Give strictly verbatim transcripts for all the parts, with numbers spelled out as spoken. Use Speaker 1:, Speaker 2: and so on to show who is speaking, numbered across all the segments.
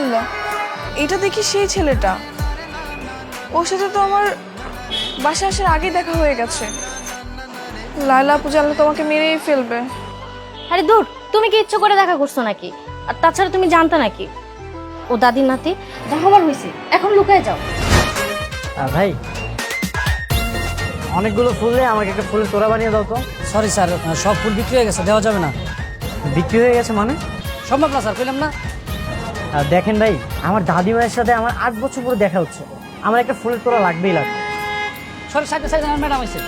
Speaker 1: আল্লাহ, এটা দেখি সেই ছেলেটা। ওর সাথে তো আমার বাসা আসার আগে দেখা হয়ে গেছে। লায়লা আপু জানলে তোমাকে মেরেই ফেলবে।
Speaker 2: আরে দূর, তুমি কি ইচ্ছে করে দেখা করছো নাকি? আর তাছাড়া তুমি জানতা নাকি ও দাদির নাতি? দেখাবার হয়েছে, এখন লুকায় যাও।
Speaker 3: ভাই, অনেকগুলো ফুল দিয়ে আমাকে একটা ফুলের তোড়া বানিয়ে দাও তো।
Speaker 4: সরি স্যার, সব ফুল বিক্রি হয়ে গেছে, দেওয়া যাবে না।
Speaker 3: বিক্রি হয়ে গেছে মানে?
Speaker 4: সম্ভব না স্যার, কইলাম না।
Speaker 3: আর দেখেন ভাই, আমার দাদিমায়ের সাথে আমার আট বছর পরে দেখা হচ্ছে, আমার একটা ফুলের তোড়া লাগবেই লাগবে।
Speaker 4: সরি, সাইডে সাইডে আমার ম্যাডাম আছে।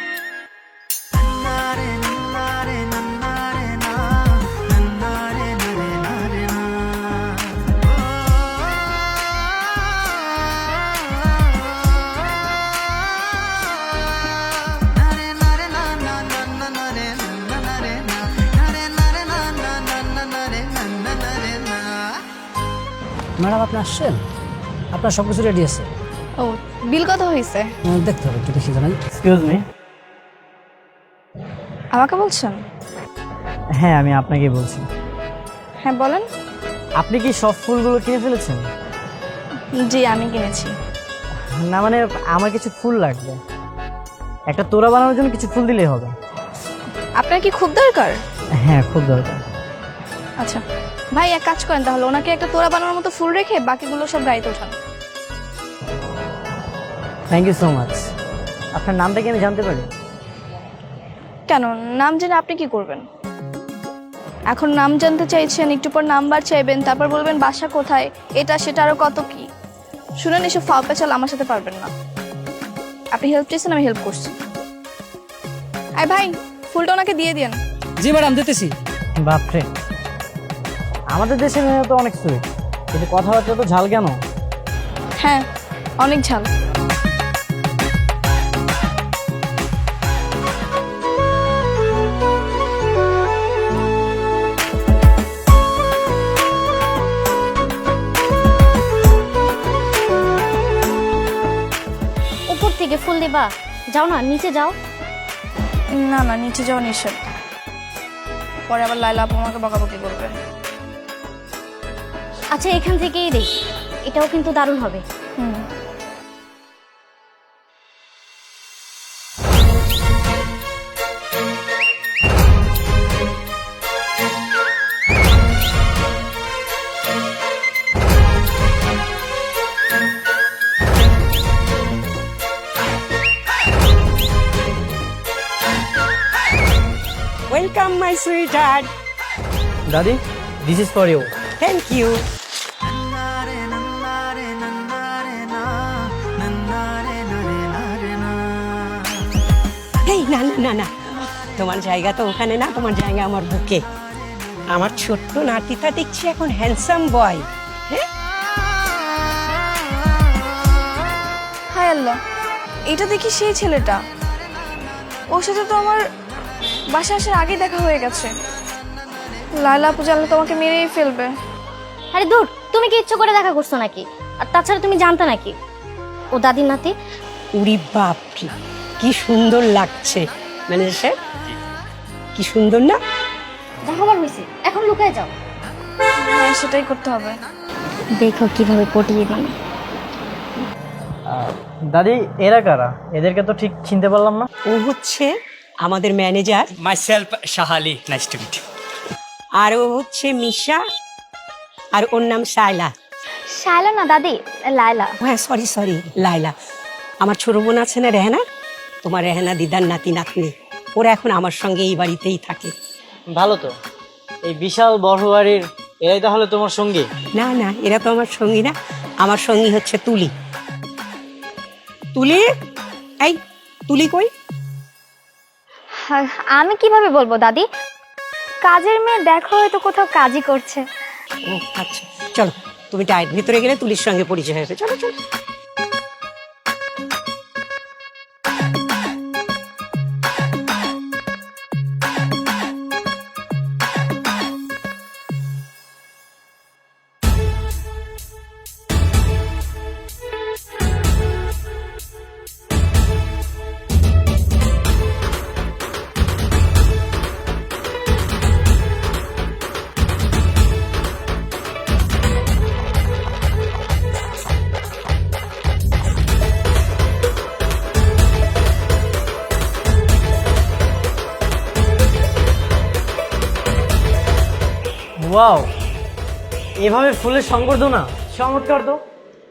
Speaker 4: ম্যাডাম আপনি আসছেন, আপনার সব কিছু রেডি আছে।
Speaker 1: ও, বিল কত হয়েছে?
Speaker 4: আহ, দেখতে হবে, একটু দেখি জানাই।
Speaker 3: Excuse me.
Speaker 1: আমাকে বলছেন?
Speaker 3: হ্যাঁ, আমি আপনাকে বলছি।
Speaker 1: হ্যাঁ বলেন।
Speaker 3: আপনি কি সব ফুলগুলো কিনে ফেলেছেন?
Speaker 1: জি, আমি কিনেছি।
Speaker 3: না মানে, আমার কিছু ফুল লাগবে, একটা তোড়া বানানোর জন্য কিছু ফুল দিলেই হবে।
Speaker 1: আপনার কি খুব দরকার?
Speaker 3: হ্যাঁ, খুব দরকার।
Speaker 1: আচ্ছা ভাই, এক কাজ করেন তাহলে, ওনাকে একটা তোড়া বানানোর মতো ফুল রেখে বাকিগুলো সব গাড়িতে ওঠান।
Speaker 3: Thank you so much. আপনার নামটা কি আমি জানতে পারি?
Speaker 1: কেন, নাম জেনে আপনি কি করবেন? এখন নাম জানতে চাইছেন, একটু পর নাম্বার চাইবেন, তারপর বলবেন বাসা কোথায়, এটা সেটা আরো কত কি। শুনেন, এসব ফাও পেঁচাল আমার সাথে পারবেন না। আপনি হেল্প চেয়েছেন, আমি হেল্প করছি। আয় ভাই, ফুলটা ওনাকে দিয়ে দিন।
Speaker 4: জি ম্যাডাম, দিতেছি।
Speaker 3: বাপরে, আমাদের দেশের মেয়ে তো অনেক সুইট, কিন্তু কথাবার্তা তো ঝাল কেন?
Speaker 1: হ্যাঁ, অনেক ঝাল।
Speaker 2: উপর থেকে ফুল দিবা? যাও না, নিচে যাও।
Speaker 1: না না, নিচে যাওয়া নিষেধ, পরে আবার লায়লা আপু আমাকে বকাবকি করবে।
Speaker 2: আচ্ছা, এখান থেকেই দেখ, এটাও কিন্তু দারুণ হবে।
Speaker 1: হুম।
Speaker 5: Welcome, my sweetheart.
Speaker 3: দাদি, this is for you.
Speaker 5: Thank you. এই না না না না, তোমার জায়গা তো ওখানে না, তোমার জায়গা আমার বুকে। আমার ছোট্ট নাতিটা দেখছি এখন হ্যান্ডসাম বয়। হ্যাঁ,
Speaker 1: হায় আল্লাহ, এটা দেখি সেই ছেলেটা। ওর সাথে তো আমার বাসা আসার আগে দেখা হয়ে গেছে। লায়লা আপু জানলে তোমাকে মেরেই ফেলবে।
Speaker 2: আরে দূর, তুমি কি ইচ্ছে করে দেখা করছো নাকি? আর তাছাড়া তুমি জানতা নাকি ও দাদির নাতি?
Speaker 5: উরি বাপরে, কি সুন্দর লাগছে। ম্যানেজার সাহেব, কি সুন্দর না?
Speaker 2: দেখাবার হয়েছে, এখন লুকায় যাও।
Speaker 1: হ্যাঁ, সেটাই করতে হবে।
Speaker 2: দেখো কিভাবে পটিয়ে দিই।
Speaker 3: দাদি, এরা কারা? এদেরকে তো ঠিক চিনতে পারলাম না।
Speaker 5: ও হচ্ছে আমাদের manager,
Speaker 6: Myself, Shahali. Nice to meet you.
Speaker 5: আর ও হচ্ছে মিশা, আর ওর নাম সাইলা।
Speaker 2: শায়লা না দাদি, লায়লা।
Speaker 5: হ্যাঁ, সরি সরি, লাইলা। আমার ছোট বোন আছে না, রেহানা, তোমার রেহানা দিদার নাতি নাতনি, ওরা এখন আমার সঙ্গে এই বাড়িতেই থাকে।
Speaker 3: ভালো তো, এই বিশাল বড় বাড়ির এরাই তাহলে তোমার সঙ্গী?
Speaker 5: না না, এরা তো আমার সঙ্গী না, আমার সঙ্গী হচ্ছে তুলি। তুলি, এই তুলি কই?
Speaker 2: আমি কিভাবে বলবো দাদি, কাজের মেয়ে দেখো হয়তো কোথাও কাজই করছে।
Speaker 5: ও আচ্ছা, চলো তুমি ডায়ের ভিতরে গেলে তুলির সঙ্গে পরিচয় হবে। চলো চলো।
Speaker 3: ওয়াও, এভাবে ফুলের সংবর্ধনা চমৎকার তো।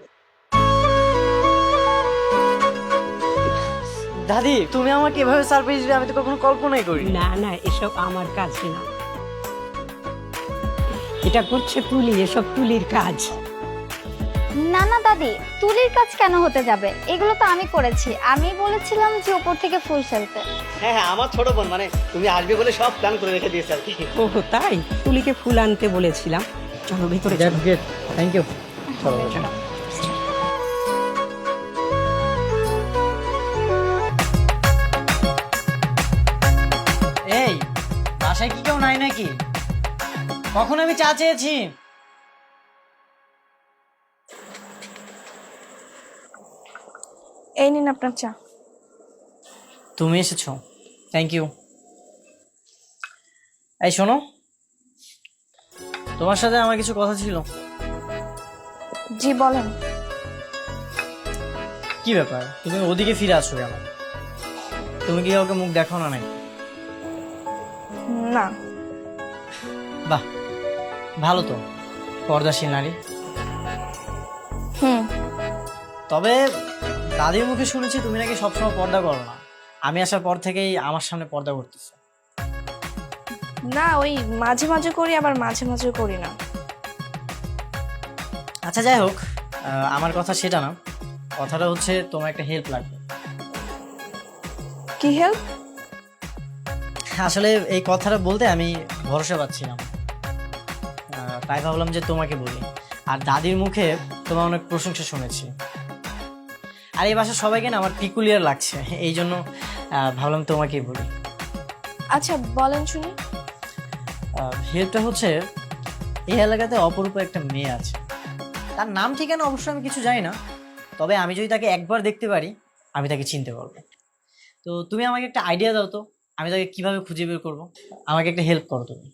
Speaker 3: দাদি, তুমি আমাকে এভাবে সারপ্রাইজ দিবে আমি তো কখনো কল্পনাই করি।
Speaker 5: না না, এসব আমার কাজ না, এটা করছে তুলি, এসব তুলির কাজ।
Speaker 2: না না দাদি, তুলির কাজ কেন হতে যাবে? এগুলো তো আমি করেছি। আমি বলেছিলাম যে উপর থেকে ফুল ফেলতে।
Speaker 3: হ্যাঁ হ্যাঁ, আমার ছোট বোন, মানে তুমি আসবে বলে সব প্ল্যান করে রেখে দিয়েছে আর কি।
Speaker 5: ও তাই, তুলিকে ফুল আনতে বলেছিলাম। চলো ভিতরে চলো।
Speaker 3: Thank you.
Speaker 5: চলো।
Speaker 3: এই বাসায় কি কেউ নাই নাকি? কখন আমি চা চেয়েছি?
Speaker 1: এই নিন আপনার চা।
Speaker 3: তুমি এসেছো, থ্যাংক ইউ। এই শোনো, তোমার সাথে আমার কিছু কথা ছিল।
Speaker 1: জি বলেন।
Speaker 3: কি ব্যাপার, তুমি ওদিকে ফিরে আসো কেন? তুমি কি কাউকে মুখ দেখাও না নাকি?
Speaker 1: না।
Speaker 3: বাহ, ভালো তো, পর্দাশীল নারী।
Speaker 1: হুম।
Speaker 3: তবে দাদির মুখে শুনেছি তুমি নাকি সবসময় পর্দা করো না। আমি আসার পর থেকেই আমার সামনে পর্দা করতেছো।
Speaker 1: না, ওই মাঝে মাঝে করি, আবার মাঝে মাঝে করি না।
Speaker 3: আচ্ছা যাই হোক, আহ, আমার কথা সেটা না। কথাটা হচ্ছে তোমার একটা হেল্প লাগবে।
Speaker 1: কি হেল্প?
Speaker 3: আসলে এই কথাটা বলতে আমি ভরসা পাচ্ছিলাম, আহ, তাই ভাবলাম যে তোমাকে বলি। আর দাদির মুখে তোমার অনেক প্রশংসা শুনেছি, আর এই বাসার সবাইকে না আমার পিকুলিয়ার লাগছে, এই জন্য আহ, ভাবলাম তোমাকেই বলি।
Speaker 1: আচ্ছা বলেন শুনি।
Speaker 3: হেল্পটা হচ্ছে, এই এলাকাতে অপরূপ একটা মেয়ে আছে। তার নাম ঠিকানা অবশ্য আমি কিছু জানি না, তবে আমি যদি তাকে একবার দেখতে পারি আমি তাকে চিনতে পারবো। তো তুমি আমাকে একটা আইডিয়া দাও তো, আমি তাকে কিভাবে খুঁজে বের করবো। আমাকে একটা হেল্প করো তুমি।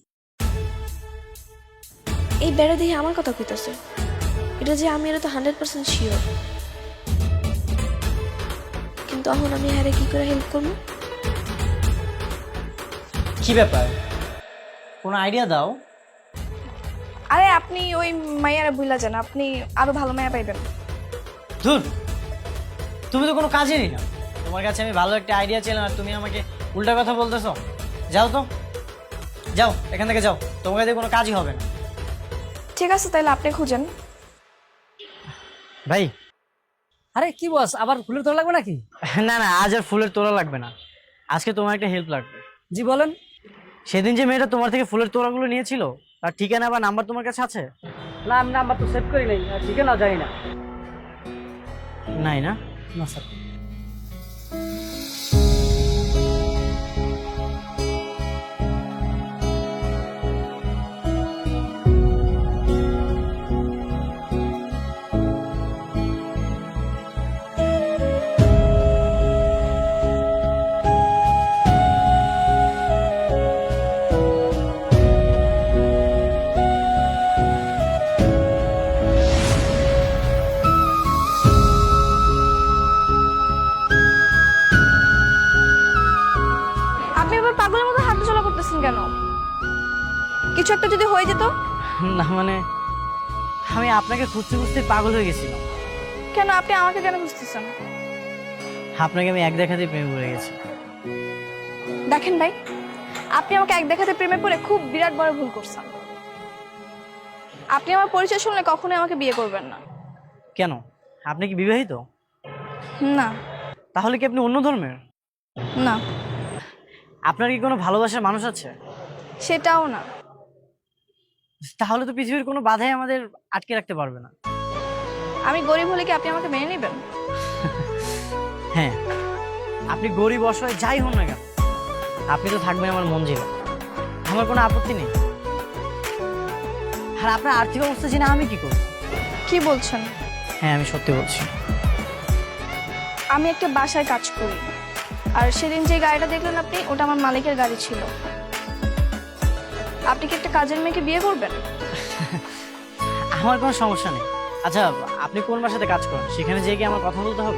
Speaker 7: এই বেড়া দিয়ে আমার কথা কইতাছে, এটা যে আমি এটা তো হান্ড্রেড পার্সেন্ট শিওর, কিন্তু এখন আমি হ্যারে কি করে হেল্প করবো?
Speaker 3: কি ব্যাপার, কোনো আইডিয়া দাও।
Speaker 1: আরে আপনি ওই মাইয়ারা ভুলা যান, আপনি আরো ভালো মায়া পাইবেন।
Speaker 3: ধুর, তুমি তো কোনো কাজেরই না। তোমার কাছে আমি ভালো একটা আইডিয়া ছিলাম আর তুমি আমাকে উল্টা কথা বলতেছো। যাও তো, যাও এখান থেকে যাও, তোমার কাছে কোনো কাজই হবে না।
Speaker 1: ঠিক আছে, তাহলে আপনি খুঁজেন।
Speaker 3: ভাই,
Speaker 4: আরে কি বস, আবার ফুলের তোলা লাগবে নাকি?
Speaker 3: না না, আজ আর ফুলের তোড়া লাগবে না, আজকে তোমার একটা হেল্প লাগবে।
Speaker 4: জি বলেন।
Speaker 3: সেদিন যে মেয়েটা তোমার থেকে ফুলের তোড়াগুলো নিয়েছিল, তার ঠিকানা বা নাম্বার তোমার কাছে আছে?
Speaker 4: না, আমি নাম্বার তো সেভ করি নাই, আর ঠিকানা জানি না।
Speaker 3: নাই না?
Speaker 4: না স্যার।
Speaker 1: আপনি আবার পাগলের মতো হাঁটা চলা করতেছেন কেন? কিছু একটা যদি হয়ে যেত?
Speaker 3: না মানে, আমি আপনাকে খুঁজতে খুঁজতে পাগল হয়ে গেছিলাম।
Speaker 1: কেন, আপনি আমাকে কেন খুঁজতেছেন?
Speaker 3: আপনাকে আমি এক দেখাতেই প্রেমে পড়ে গেছি।
Speaker 1: দেখেন ভাই, আপনি আমাকে এক দেখাতে প্রেমে পড়ে খুব বিরাট বড় ভুল করছেন। আপনি আমার পরিচয় শুনলে কখনোই আমাকে বিয়ে করবেন না।
Speaker 3: কেন, আপনি কি বিবাহিত?
Speaker 1: না।
Speaker 3: তাহলে কি আপনি অন্য ধর্মের?
Speaker 1: না।
Speaker 3: আপনার কি কোনো ভালোবাসার মানুষ আছে?
Speaker 1: সেটাও না।
Speaker 3: তাহলে তো পৃথিবীর কোনো বাধাই আমাদের আটকে রাখতে পারবে না।
Speaker 1: আমি গরিব হলে কি আপনি আমাকে মেনে নেবেন?
Speaker 3: হ্যাঁ, আপনি গরিব অসহায় যাই হন না কেন, আপনি তো থাকবেন আমার মন জেলে। আমার কোনো আপত্তি নেই। আর আপনার আর্থিক অবস্থা জেনে আমি কি করব?
Speaker 1: কি বলছেন?
Speaker 3: হ্যাঁ, আমি সত্যি বলছি।
Speaker 1: আমি একটা বাসায় কাজ করি, আর সেদিন যে গাড়িটা দেখলেন আপনি, ওটা আমার মালিকের গাড়ি ছিল। আপনি কি একটা কাজের মেয়েকে বিয়ে করবেন?
Speaker 3: আমার কোনো সমস্যা নেই। আচ্ছা, আপনি কোন বাসাতে কাজ করেন? সেখানে যেয়ে কি আমার কথা বলতে হবে?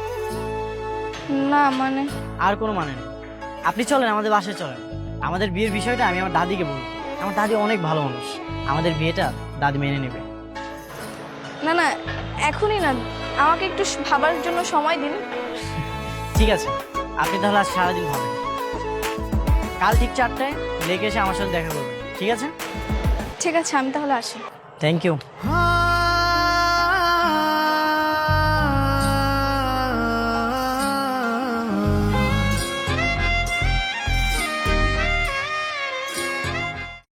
Speaker 1: না মানে,
Speaker 3: আর কোনো মানে নেই। আপনি চলেন, আমাদের বাসায় চলেন। আমাদের বিয়ের বিষয়টা আমি আমার দাদিকে বলবো। আমার দাদি অনেক ভালো মানুষ, আমাদের বিয়েটা দাদি মেনে নেবে।
Speaker 1: না না, এখনই না, আমাকে একটু ভাবার জন্য সময় দিন।
Speaker 3: ঠিক আছে, আপনি তাহলে আজ সারাদিন ভাবেন, কাল ঠিক চারটায় লেগে এসে আমার সাথে দেখা করবেন, ঠিক আছে?
Speaker 1: ঠিক আছে, আমি তাহলে আসি।
Speaker 3: Thank you.